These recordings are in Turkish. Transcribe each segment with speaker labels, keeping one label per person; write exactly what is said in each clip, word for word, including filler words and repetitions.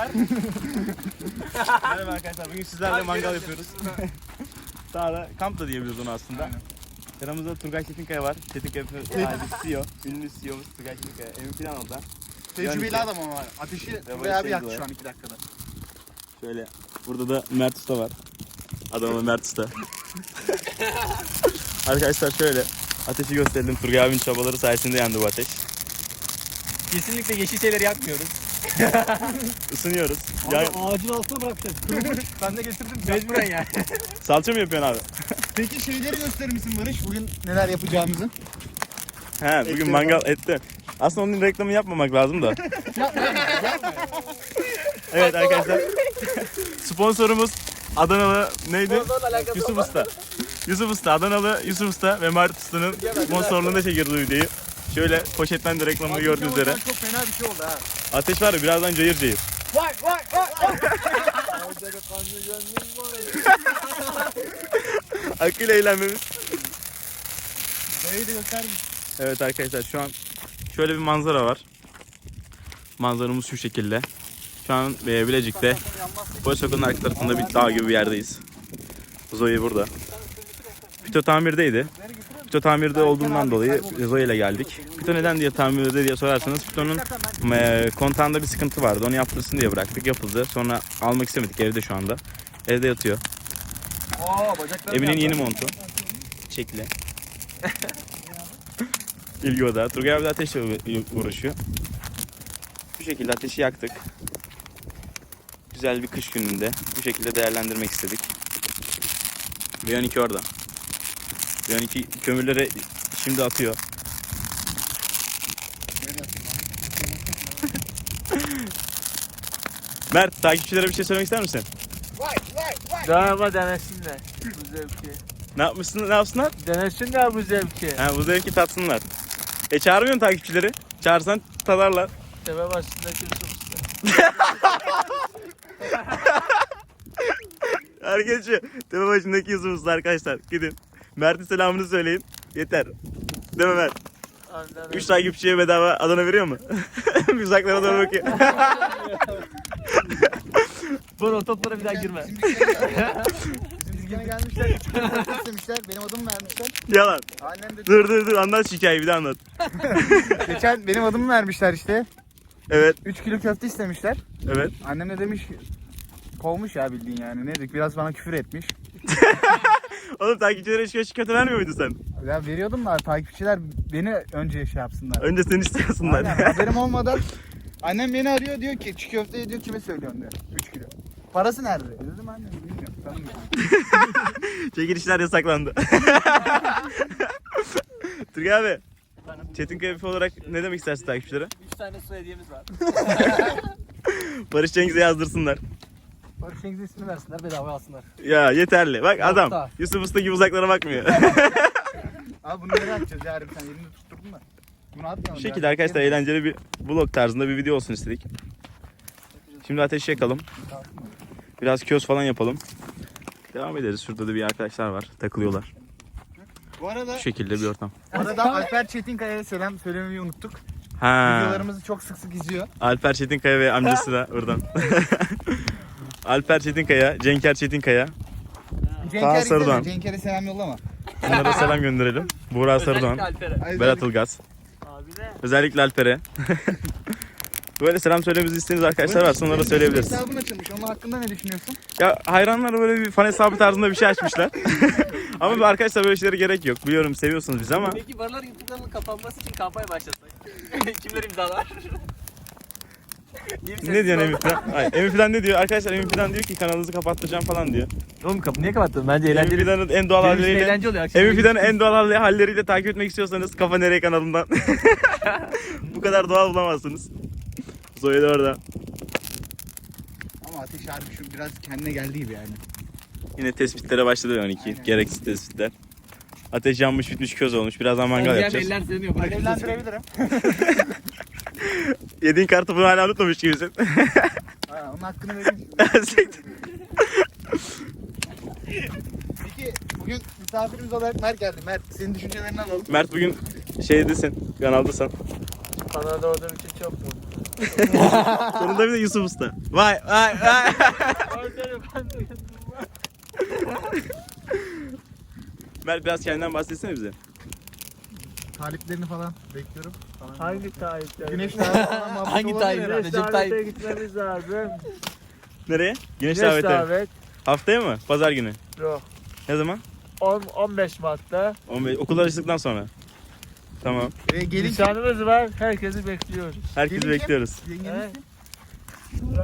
Speaker 1: arkadaşlar.
Speaker 2: Merhaba arkadaşlar. Bugün sizlerle mangal yapıyoruz. Sağda kamp da diyebiliriz onu aslında. Yanımızda Turgay Çetinkaya var. Çetinkaya sahibi C E O. Ünlü C E O'muz Turgay Çetinkaya. Emin falan orada.
Speaker 1: Tecrübeli adam ama var. Ateşi bayağı bir yaktı şu an iki dakikada.
Speaker 2: Şöyle. Burada da Mert Usta var. Adamın Mert Usta. Arkadaşlar şöyle. Ateşi gösterelim. Turgay abinin çabaları sayesinde yandı bu ateş.
Speaker 3: Kesinlikle yeşil şeyler yapmıyoruz.
Speaker 2: Isınıyoruz.
Speaker 4: Abi
Speaker 2: Ya,
Speaker 4: ağacın altına bırakacağız.
Speaker 1: Ben de getirdim.
Speaker 3: Mecburen yani.
Speaker 2: salça mı yapıyorsun abi?
Speaker 1: Peki şeyleri gösterir misin Barış? Bugün neler yapacağımızı?
Speaker 2: He, bugün
Speaker 1: Etleri
Speaker 2: mangal etti. Aslında onun reklamını yapmamak lazım da. Evet arkadaşlar. Sponsorumuz Adanalı neydi? Yusuf Usta. Yusuf Usta, Adanalı Yusuf Usta ve Mert Usta'nın sponsorluğunda çekirdi bu videoyu. Şöyle poşetten de reklamını gördüğünüz üzere.
Speaker 1: Çok fena bir şey oldu ha.
Speaker 2: Ateş var ya birazdan cayır cayır.
Speaker 1: Vay vay vay vay.
Speaker 2: Hakkıyla eğlenmemiz.
Speaker 1: Neyi de göstermiş.
Speaker 2: Evet arkadaşlar şu an şöyle bir manzara var. Manzaramız şu şekilde. Şu an e, Bilecik'te Boy Sokak'ın arka tarafında bir dağ gibi bir yerdeyiz. Zoe burada. Pito tamirdeydi. Pito tamirde olduğundan dolayı Zoe ile geldik. Pito neden diye tamirde diye sorarsanız Pito'nun e, kontağında bir sıkıntı vardı. Onu yaptırsın diye bıraktık. Yapıldı. Sonra almak istemedik. Evde şu anda. Evde yatıyor.
Speaker 1: Oo bacaklarım
Speaker 2: Emin'in
Speaker 1: yandı.
Speaker 2: yeni montu. Çekli. İlgi oda. Turgay abi de ateşle uğraşıyor. Bu şekilde ateşi yaktık. Güzel bir kış gününde bu şekilde değerlendirmek istedik. V on iki orada. V on iki kömürleri şimdi atıyor. Mert, takipçilere bir şey söylemek ister misin?
Speaker 3: Daha denesinler bu zevki.
Speaker 2: Ne yapmışsın, ne yapsınlar?
Speaker 3: Denesinler bu zevki.
Speaker 2: Ha, bu zevki tatsınlar. E çağırmıyorsun takipçileri. Çağırsan tadarlar.
Speaker 3: Tepe başındaki Yusuf Usta.
Speaker 2: Arkadaşlar, tepe başındaki Yusuf Usta arkadaşlar. Gidin. Mert'in selamını söyleyin. Yeter. Değil mi Mert? üç takipçiye bedava Adana veriyor mu? Uzaklara doğru bakıyor.
Speaker 3: Bana o toplara bir daha girme.
Speaker 1: Bizimkine gelmişler. Üç kilo köfte istemişler. Benim adımı vermişler.
Speaker 2: Yalan.
Speaker 1: Annem de
Speaker 2: Dur dur dur anlat şu hikayeyi bir daha anlat.
Speaker 1: geçen benim adımı vermişler işte.
Speaker 2: Evet
Speaker 1: üç kilo köfte istemişler.
Speaker 2: evet.
Speaker 1: Annem de demiş kovmuş ya bildiğin yani. Ne dedik biraz bana küfür etmiş.
Speaker 2: Oğlum takipçilere hiç köşk kötü vermiyor muydun sen?
Speaker 1: Ya veriyordum da takipçiler beni önce şey yapsınlar.
Speaker 2: Önce seni istiyorsunlar.
Speaker 1: Aynen, haberim olmadan annem beni arıyor diyor ki çiğ köfteyi diyor kime söylüyorsun diyor. üç kilo. Parası nerede? Dedim annem bilmiyorum. Tanımıyorum.
Speaker 2: Çekilişler yasaklandı. Turgay abi. Çetinkaya F olarak ne demek istersin takipçilere?
Speaker 3: üç tane su hediyemiz var.
Speaker 2: Barış Cengiz'e yazdırsınlar.
Speaker 4: Barış Cengiz'in ismini versinler bedava alsınlar.
Speaker 2: Ya yeterli. Bak
Speaker 4: Nokta.
Speaker 2: adam Yusuf Usta gibi uzaklara bakmıyor.
Speaker 1: Abi bunu nereye atacağız ya Arif sen yerini tutturdun da. Bunu atmayalım.
Speaker 2: Bu şekilde arkadaşlar eğlenceli bir vlog tarzında bir video olsun istedik. Şimdi ateşi yakalım. Biraz köz falan yapalım. Devam ederiz. Şurada da bir arkadaşlar var. Takılıyorlar.
Speaker 1: Bu arada,
Speaker 2: Bu şekilde bir ortam.
Speaker 1: bu arada Alper Çetinkaya'ya selam söylemeyi unuttuk.
Speaker 2: Ha.
Speaker 1: Videolarımızı çok sık sık izliyor.
Speaker 2: Alper Çetinkaya ve amcası da buradan. Alper Çetinkaya, Cenker Çetinkaya.
Speaker 1: Cenker
Speaker 2: Sarıdoğan.
Speaker 1: izleme. Cenker'e selam yollama.
Speaker 2: Bunlara selam gönderelim. Buğra Sarıdoğan,
Speaker 3: Alper'e.
Speaker 2: Berat Ilgaz.
Speaker 3: Abi ne?
Speaker 2: Özellikle Alper'e. Böyle selam söylememizi istediğiniz arkadaşlar varsa onlara da söyleyebiliriz.
Speaker 1: Hesabın açılmış. Onun hakkında ne düşünüyorsun?
Speaker 2: Ya hayranlar böyle bir fan hesabı tarzında bir şey açmışlar. Ama bu arkadaşlar böyle şeylere gerek yok. Biliyorum seviyorsunuz bizi ama.
Speaker 3: Peki barlar YouTube kanalının kapanması için kampanya başlatsak. Kimler imzalar?
Speaker 2: Ne diyor Emin falan? Hayır, Emin falan ne diyor? Arkadaşlar Emin falan diyor ki kanalınızı kapattıracağım falan diyor.
Speaker 3: Oğlum kapı niye kapattın? Bence
Speaker 2: Emin
Speaker 3: eğlenceli.
Speaker 2: Fidan'ın en doğal
Speaker 3: Benim için
Speaker 2: halleriyle
Speaker 3: eğlence oluyor. Akşam
Speaker 2: Emin Fidan'ın en doğal halleriyle takip etmek istiyorsanız Kafa Nereye kanalından. Bu kadar doğal bulamazsınız. Zoe de orada.
Speaker 1: Ama Ateş harbi şu biraz kendine geldi gibi yani.
Speaker 2: Yine tespitlere başladı on iki.
Speaker 1: Aynen.
Speaker 2: Gereksiz tespitler. Ateş yanmış bitmiş köz olmuş. Birazdan mangal yapacağız.
Speaker 3: Eller sığmıyor.
Speaker 1: Ben evlendirebilirim.
Speaker 2: Yediğin kartı bunu hala unutmamış gibisin.
Speaker 1: Ha, onun hakkını vereyim. Peki bugün misafirimiz olarak Mert geldi. Mert senin düşüncelerini alalım.
Speaker 2: Mert bugün şeydesin, kanaldasın.
Speaker 3: Kanalda olduğum için çok mutluyum.
Speaker 2: Sonunda bir de Yusuf Usta. Vay vay vay. Mert biraz kendinden bahsetsene bize.
Speaker 1: Taliplerini falan bekliyorum. Falan.
Speaker 3: Hangi Tayyip'ler?
Speaker 1: Güneş talibi falan muhabbeti
Speaker 4: Hangi
Speaker 1: olabilir
Speaker 4: Tayyip?
Speaker 1: herhalde.
Speaker 4: Recep Tayyip.
Speaker 3: gitmemiz lazım.
Speaker 2: Nereye? Güneş
Speaker 3: Güneş
Speaker 2: daveti.
Speaker 3: davet.
Speaker 2: Haftaya mı? Pazar günü.
Speaker 3: Yok.
Speaker 2: Ne zaman?
Speaker 3: on on beş Mart'ta.
Speaker 2: on beş. Okullar açıldıktan sonra. Tamam.
Speaker 1: Ee, gelin
Speaker 3: Nişanımız var. Herkesi bekliyoruz.
Speaker 2: Herkesi
Speaker 1: Gelin kim?
Speaker 2: bekliyoruz.
Speaker 1: Yengeniz
Speaker 3: He?
Speaker 1: kim?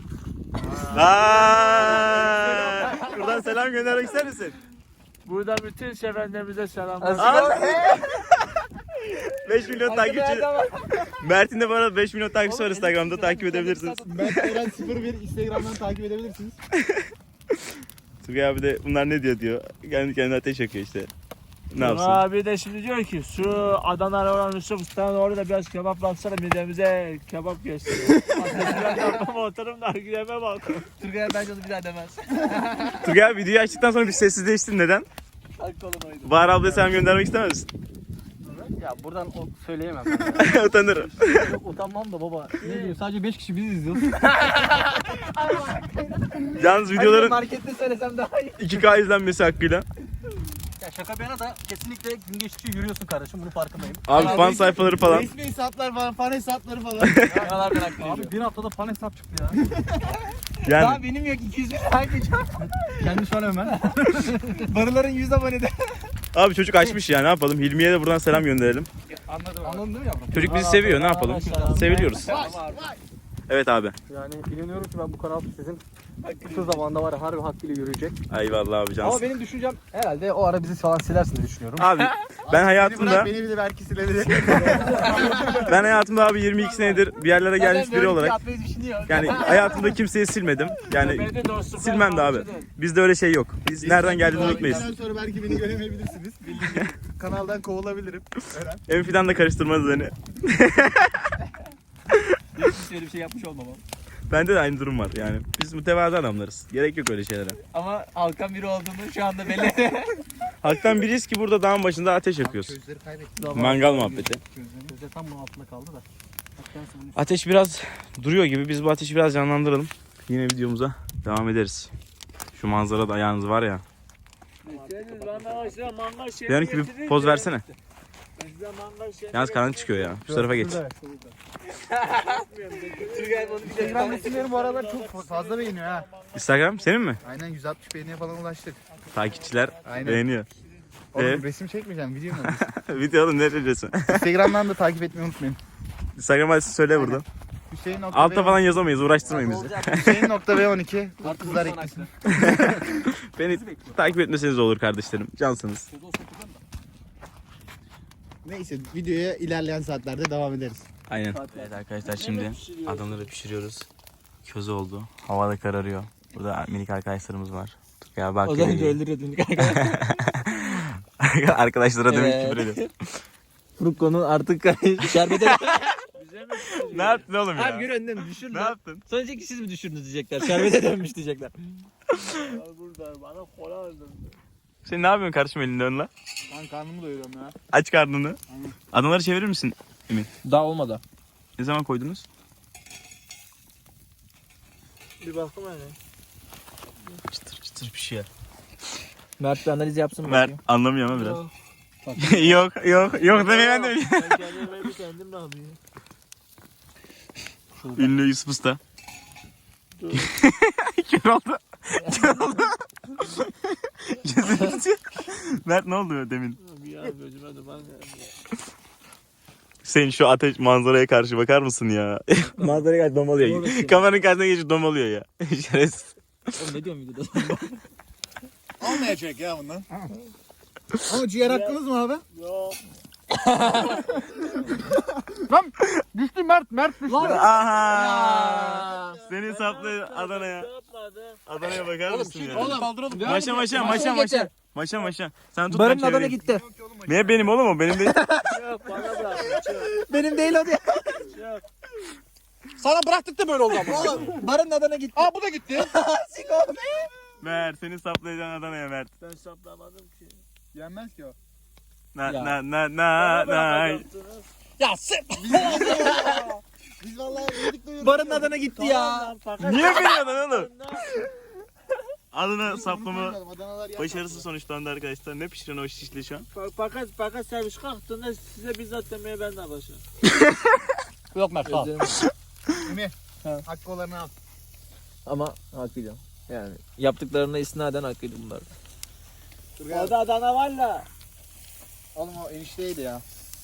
Speaker 2: Aa! Buradan selam göndermek ister misin?
Speaker 3: Burada bütün sevenlerimize selamlar.
Speaker 2: Al. beş milyon takipçi. Mert'in de bu arada beş milyon takipçisi var Instagram'da, takip edebilirsiniz.
Speaker 1: Mert Eren sıfır bir Instagram'dan takip edebilirsiniz.
Speaker 2: Turgay abi de bunlar ne diyor diyor. Kendi kendine ateş yakıyor işte. Ne yapsın?
Speaker 3: Abi de şimdi diyor ki şu Adana'ya olan Yusuf Usta'nın orada biraz kebap baksana midemize kebap gösteriyor. Ateşinden yapmama oturum da gideme bak.
Speaker 4: Turgay'a bence onu bir daha demez.
Speaker 2: Turgay abi videoyu açtıktan sonra bir sessizleştin. Neden?
Speaker 4: Hakkı olan oydu.
Speaker 2: Bahar ablaya selam göndermek istemez misin?
Speaker 4: Ya buradan o söyleyemem.
Speaker 2: Utanırım.
Speaker 4: Yok utanmam da baba. Ne diyeyim sadece beş kişi biziz izliyoruz.
Speaker 2: Yalnız videoların
Speaker 4: Markette söylesem daha iyi.
Speaker 2: iki K izlenmesi hakkıyla.
Speaker 4: Ya şaka bir yana da kesinlikle gün geçtikçe yürüyorsun kardeşim, bunu farkındayım.
Speaker 2: Abi fan sayfaları falan.
Speaker 1: Resmi hesaplar falan, fan hesapları falan.
Speaker 4: Yalan bırak. Abi bir haftada fan hesap çıktı ya.
Speaker 2: Yani
Speaker 4: Daha benim yok iki yüz bin takipçi. Kendi söyle hemen. Barıların yüz abonede.
Speaker 2: abi çocuk açmış ya, ne yapalım? Hilmi'ye de buradan selam gönderelim.
Speaker 1: Anladım.
Speaker 4: Anladın değil mi yavrum?
Speaker 2: Çocuk bizi seviyor, ne yapalım? Seviliyoruz. Evet abi.
Speaker 4: Yani inanıyorum ki ben bu kanal sizin kısa zamanda var ya harbi hakkıyla yürüyecek.
Speaker 2: Eyvallah abi
Speaker 4: Ama
Speaker 2: cansın.
Speaker 4: benim düşüncem herhalde o ara bizi falan silersiniz düşünüyorum.
Speaker 2: Abi ben
Speaker 1: Beni bırak,
Speaker 2: hayatımda
Speaker 1: beni bir de belki silebilir.
Speaker 2: ben hayatımda abi yirmi iki senedir bir yerlere gelmiş biri olarak
Speaker 4: Atmayı düşünüyor.
Speaker 2: yani hayatımda kimseyi silmedim. Yani
Speaker 3: Beni de dostum.
Speaker 2: silmem de abi. Bizde öyle şey yok. Biz nereden geldiğimizi unutmayız.
Speaker 1: Bundan sonra belki beni göremeyebilirsiniz. Bildiğiniz kanaldan kovulabilirim. Eren.
Speaker 2: En fidan da karıştırmaz beni.
Speaker 4: Hiç öyle bir şey yapmış olmam.
Speaker 2: Bende de aynı durum var yani. Biz mütevazı adamlarız. Gerek yok öyle şeylere.
Speaker 4: Ama halkan biri olduğunu şu anda belli.
Speaker 2: Halktan biriyiz ki burada dağın başında ateş yakıyoruz.
Speaker 1: Gözleri kaybettim.
Speaker 2: Mangal muhabbeti.
Speaker 4: Gözde tam bunun altında kaldı da. Bak kendisi bunun
Speaker 2: Ateş biraz duruyor gibi. Biz bu ateşi biraz canlandıralım. Yine videomuza devam ederiz. Şu manzara da ayağınız var ya. Diyorum ki bir poz versene. Yalnız karanlık çıkıyor ya. Şu tarafa geç.
Speaker 1: Instagram resimlerim bu aralar çok fazla beğeniyor ha.
Speaker 2: Instagram senin mi?
Speaker 1: Aynen yüz altmış beğeniye falan ulaştık.
Speaker 2: Takipçiler
Speaker 1: Aynen.
Speaker 2: beğeniyor.
Speaker 1: Oğlum
Speaker 2: Evet.
Speaker 1: resim çekmeyeceğim, video mu?
Speaker 2: Video oğlum, ne resmi?
Speaker 1: Instagram'dan da takip etmeyi unutmayın.
Speaker 2: Instagram adresi söyle burada.
Speaker 1: Hüseyin nokta
Speaker 2: Altta falan yazamayız. Uğraştırmayın bizi.
Speaker 1: Hüseyin nokta B on iki. Kızlar eklesin.
Speaker 2: Beni takip etmeseniz olur kardeşlerim. Cansınız.
Speaker 1: Neyse videoya ilerleyen saatlerde devam ederiz.
Speaker 2: Aynen. Evet arkadaşlar, şimdi adamları pişiriyoruz. Köz oldu. Hava da kararıyor. Burada minik arkadaşlarımız var. Ya bak.
Speaker 4: Az önce öldürüyordun.
Speaker 2: Arkadaşlara demek
Speaker 4: Evet.
Speaker 2: küfür ediyor.
Speaker 4: Frukko'nun artık şerbete...
Speaker 2: Ne yaptın oğlum ya?
Speaker 4: Abi gör önden düşür
Speaker 2: Ne
Speaker 4: lan.
Speaker 2: yaptın?
Speaker 4: Sonra diyecek ki siz mi düşürdünüz diyecekler. Şerbete dönmüş diyecekler.
Speaker 3: Burada bana kola öldürdü.
Speaker 2: Sen ne yapıyorsun kardeşim elinde önle?
Speaker 1: Ben karnımı doyuruyorum ya.
Speaker 2: Aç karnını. Adamları çevirir misin?
Speaker 4: Daha olmadı.
Speaker 2: Ne zaman koydunuz?
Speaker 3: Bir bakım hele.
Speaker 2: Çıtır çıtır pişiyor.
Speaker 4: Mert bir analiz yapsın mı?
Speaker 2: Mert anlamıyor ama biraz. yok yok yok demeye ben de
Speaker 3: Ben kendime kendim ne yapayım?
Speaker 2: Ünlü Yusuf Usta. Kör oldu. Kör oldu. Gözünü tutuyor. Mert ne oldu demin?
Speaker 3: Bir an gözüme duman geldi.
Speaker 2: Sen şu ateş manzaraya karşı bakar mısın ya? Manzaraya karşı domalıyor. Kameranın karşısına geçip domalıyor ya. Şerefsiz.
Speaker 4: Oğlum ne diyorsun videoda?
Speaker 1: Olmayacak ya bundan. Ama ciğer hakkınız mı abi?
Speaker 3: Yok.
Speaker 1: Lan düştü Mert, Mert düştü.
Speaker 2: Aha! Seni saplı Adana'ya.
Speaker 3: Yapmadı.
Speaker 2: Adana'ya bakar mısın ya?
Speaker 1: Oğlum kaldıralım.
Speaker 2: Maşa maşa maşa maşa. Maşa maşa. Sen tut,
Speaker 4: Barın
Speaker 2: ben
Speaker 4: adana
Speaker 2: çevireyim.
Speaker 4: gitti.
Speaker 2: Niye benim oğlum o? Benim değil.
Speaker 3: Yok bana bırak. Yok.
Speaker 4: Benim değil o diye.
Speaker 3: Yok.
Speaker 4: Sana bıraktık da böyle oldu ama. Oğlum barın adana gitti.
Speaker 1: Aa bu da gitti.
Speaker 2: Mert seni saplayacaksın Adana'ya Mert.
Speaker 3: Ben saplamadım ki.
Speaker 1: Yenmez ki o.
Speaker 2: Na
Speaker 4: Ya.
Speaker 2: na na na
Speaker 3: Bana
Speaker 2: na.
Speaker 3: bırakacaktınız.
Speaker 4: Ya sen.
Speaker 1: Biz vallahi yedik doyurduk.
Speaker 4: Barın adına gitti ya.
Speaker 2: Niye bilmiyordun oğlum? Adına saplama
Speaker 1: Adanalar yer
Speaker 2: başarısız sonuçlandı arkadaşlar. Ne pişiren o şişli şu an?
Speaker 3: Fakat fakat servis kalktığında size bizzat demeye ben de başlarım.
Speaker 4: Yok Mert sağ ol.
Speaker 1: Emi.
Speaker 4: Ha.
Speaker 1: Hakkı olanı al.
Speaker 5: Ama hakkıyla. Yani yaptıklarına isnaden hakkıydı bunlar.
Speaker 1: Dur gel.
Speaker 3: Orada Adana var la.
Speaker 1: Oğlum o enişteydi ya.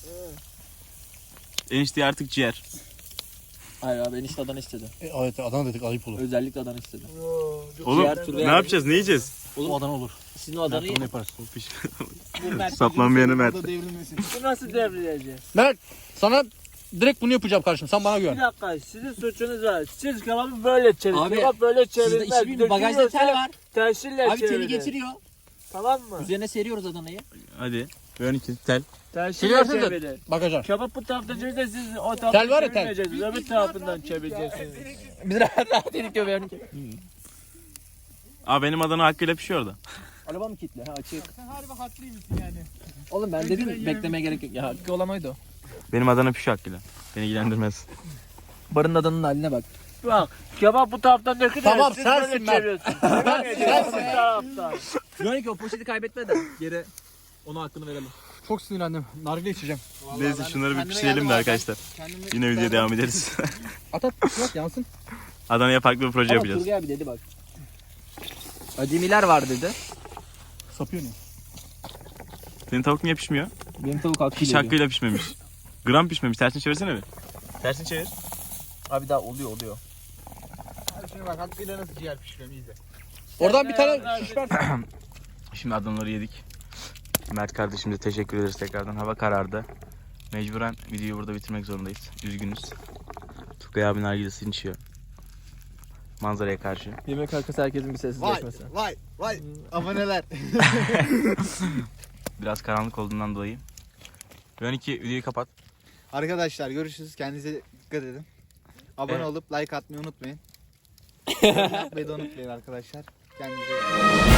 Speaker 2: Enişte artık ciğer.
Speaker 5: Hayır abi enişte Adana istedi.
Speaker 4: E, evet Adana dedik ayıp olur.
Speaker 5: Özellikle Adana istedi.
Speaker 2: Oğlum
Speaker 5: Ciğer türü
Speaker 2: ne
Speaker 5: yani.
Speaker 2: yapacağız? Ne yiyeceğiz?
Speaker 4: O Adana olur.
Speaker 5: Sizin o Adana'yı
Speaker 4: Mert onu yaparız.
Speaker 2: Saplanmayanı Mert.
Speaker 1: Burada devrilmesin.
Speaker 3: Bu nasıl devrileceğiz?
Speaker 4: Mert sana direkt bunu yapacağım kardeşim. Sen bana
Speaker 3: Bir
Speaker 4: güven.
Speaker 3: dakika sizin suçunuz var. Siz kebabı böyle çevirin.
Speaker 5: Abi,
Speaker 3: Kebap böyle
Speaker 5: Sizde
Speaker 3: çevirilmez.
Speaker 5: işi bilmiyorum. Bagajda tel var.
Speaker 3: Tersille
Speaker 5: Abi
Speaker 3: çevirin.
Speaker 5: teli getiriyor.
Speaker 3: Tamam mı?
Speaker 5: Üzerine seriyoruz Adana'yı.
Speaker 2: Hadi. Ön iki tel.
Speaker 3: Tersille
Speaker 4: Siliyorsunuz da
Speaker 3: çevirin.
Speaker 4: bagaja.
Speaker 3: Kebap bu taraftan çevirince siz o
Speaker 4: Tel
Speaker 3: taraftan
Speaker 4: var ya, tel.
Speaker 3: çevirmeyeceksiniz. Öbür tarafından çevireceksiniz.
Speaker 5: Biz rahat rahat yedik diyor yani.
Speaker 2: Aa benim Adana hakkıyla pişiyor orada.
Speaker 5: Araba mı kilitli? Ha açık.
Speaker 1: Sen harbi haklıymışsın yani.
Speaker 5: Oğlum ben dedim beklemeye gerek yok. Ya hakkı olan oydu o.
Speaker 2: Benim Adana pişiyor hakkıyla. Beni ilgilendirmez.
Speaker 5: Barın Adana'nın haline bak.
Speaker 3: Bak kebap bu taraftan dökülüyor.
Speaker 4: Tamam,
Speaker 3: siz
Speaker 4: sensin
Speaker 3: böyle
Speaker 4: Mert.
Speaker 3: çeviriyorsunuz. Çevirmeyeceksiniz bu taraftan.
Speaker 5: Yonik o poşeti kaybetme de geri ona hakkını verelim.
Speaker 4: Çok sinirlendim. Nargile içeceğim.
Speaker 2: Neyse şunları bir
Speaker 1: kendime
Speaker 2: pişirelim
Speaker 1: geldim
Speaker 2: de
Speaker 1: abi.
Speaker 2: arkadaşlar.
Speaker 1: Kendimi
Speaker 2: Yine videoya devam ederiz.
Speaker 4: At at. Yok yansın.
Speaker 2: Adana'ya farklı bir proje
Speaker 5: Ama
Speaker 2: yapacağız.
Speaker 5: Turgay abi dedi bak. Acemiler var dedi.
Speaker 4: Sapıyor ne?
Speaker 2: Senin tavuk niye pişmiyor?
Speaker 5: Benim tavuk hakkıyla
Speaker 2: Hiç
Speaker 5: diyor.
Speaker 2: hakkıyla pişmemiş. Gram pişmemiş. Tersini çevirsene bir. Tersini çevir.
Speaker 5: Abi daha oluyor oluyor.
Speaker 1: Abi şimdi bak hakkıyla nasıl ciğer pişiriyorum izle.
Speaker 4: Oradan bir tane şiş ver.
Speaker 2: Şimdi Adanaları yedik. Mert kardeşimize teşekkür ederiz tekrardan. Hava karardı. Mecburen videoyu burada bitirmek zorundayız. Üzgünüz. Tugay abi nargilesini içiyor. Manzaraya karşı.
Speaker 5: Yemek arkası herkesin bir
Speaker 1: Vay
Speaker 5: sessizleşmesi.
Speaker 1: vay vay. Aboneler.
Speaker 2: Biraz karanlık olduğundan dolayı. Ön iki videoyu kapat.
Speaker 1: Arkadaşlar görüşürüz. Kendinize dikkat edin. Abone
Speaker 2: Evet.
Speaker 1: olup like atmayı unutmayın. Yorum yapmayı da unutmayın arkadaşlar. Kendinize